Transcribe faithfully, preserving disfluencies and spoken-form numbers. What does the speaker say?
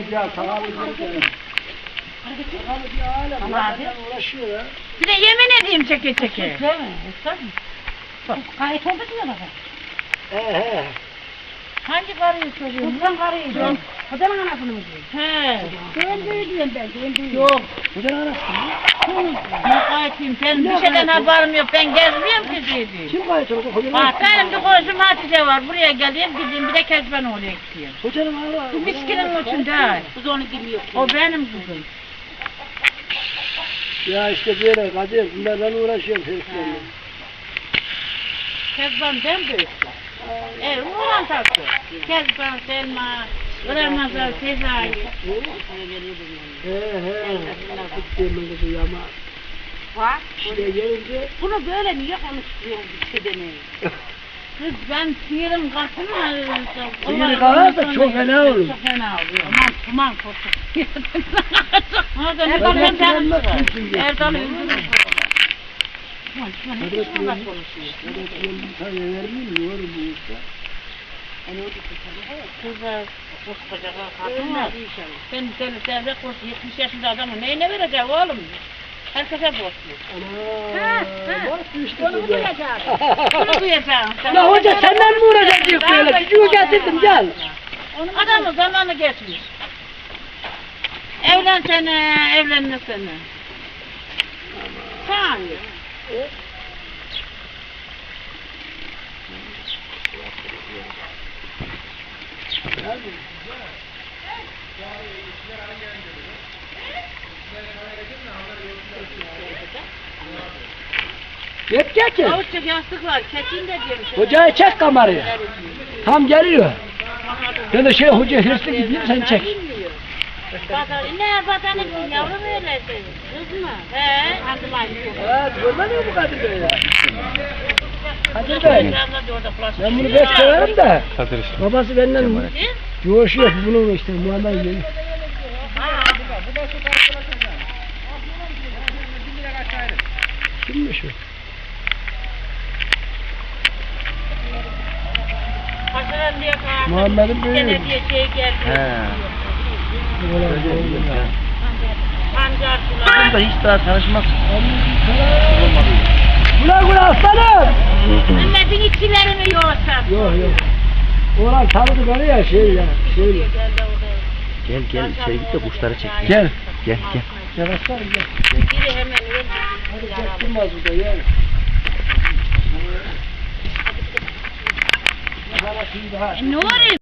Ya tamam. Uğraşıyor ya. Bir de yemin edeyim çeke çeke. Değil mi? Bak, gayet oldu mu baba? He he. Hangi karıyı soruyorsun? Kutlan karıyı diyorum. Kocanın anasını mı diyorum? He. Ben böyle diyorum ben, ben böyle. Yok. Hocanın anası mı? Ne kayıtayım? Ben bir şeyden haberim yok. Ben gezmiyorum ki dedi. Kim kayıt oldu? Hocanın Bak benim bir komşum Hatice var. Buraya geleyim gideyim bir de Kezban oraya gideyim. Hocanın anası. Bu miskinin için değil. Kız onu bilmiyor. O benim kızım. Ya işte böyle Kadir. Bunlarla uğraşıyorum heriflerle. Kezban ben büyüktüm. Evet, oğlan tatlı. Kezban, Selma, Ramazan, Sezai. He he. Gittiğim ben de ama. Bak, İşte gelince. bunu böyle niye konuşturuyorsun işte beni? Kız ben sihirim kalsın mı? Sihiri kalır da çok fena olur. Çok fena oluyor. Aman tuman korkut. Orada ne Ben kadar de canım bilmem var. kimsin diye. Erdal öldürür. Tuman tuman Hadi hiç bakalım. tuman konuşuyor. Hadi bakalım, bir tane vermeyeyim mi? Yorum bu işte. Kızlar koskoca kadın var. Ben seni devre kursu yetmiş yaşında adamı neyine verecek oğlum? Herkese borçlu. Ana. Bak işte Onu bu da. duyacağım. Bunu duyacağım. La hoca senden mi uğraşacak diyor böyle? Çocuğu getirdim gel. Adamın zamanı geçmiş. Evlensene, evlenmesene. Sen. Yet getir. Avuççuk yastık var, kesin de diyorum. Hocayı çek kamerayı. Tam geliyor. Ya da şey hoca hırslı gidiyor sen çek. Batar, ne batanı yavrum öyle kız mı? He, hangi layık? Evet görmedin mi bu Kadir Bey ya? Kadir Bey. Ben bunu pek severim de. Babası benden yoğuşuyor bunun işte Muhammed Bey. Kimmiş o? Haşeran diye kalktı. Muhammed'in büyüğü. Gene diye şey geldi. He. Pancarcılar. Bunda hiç daha tanışmak Güle güle aslanım. Mehmet'in içkileri mi yoksa? Yok yok. Oğlan tanıdı beni ya şey ya. Şey. Gel gel içeri git de kuşları çek. Gel. Gel gel. Gel aslanım gel. Biri hemen öldü. Hadi çektirmez burada gel. E, ne oluyor?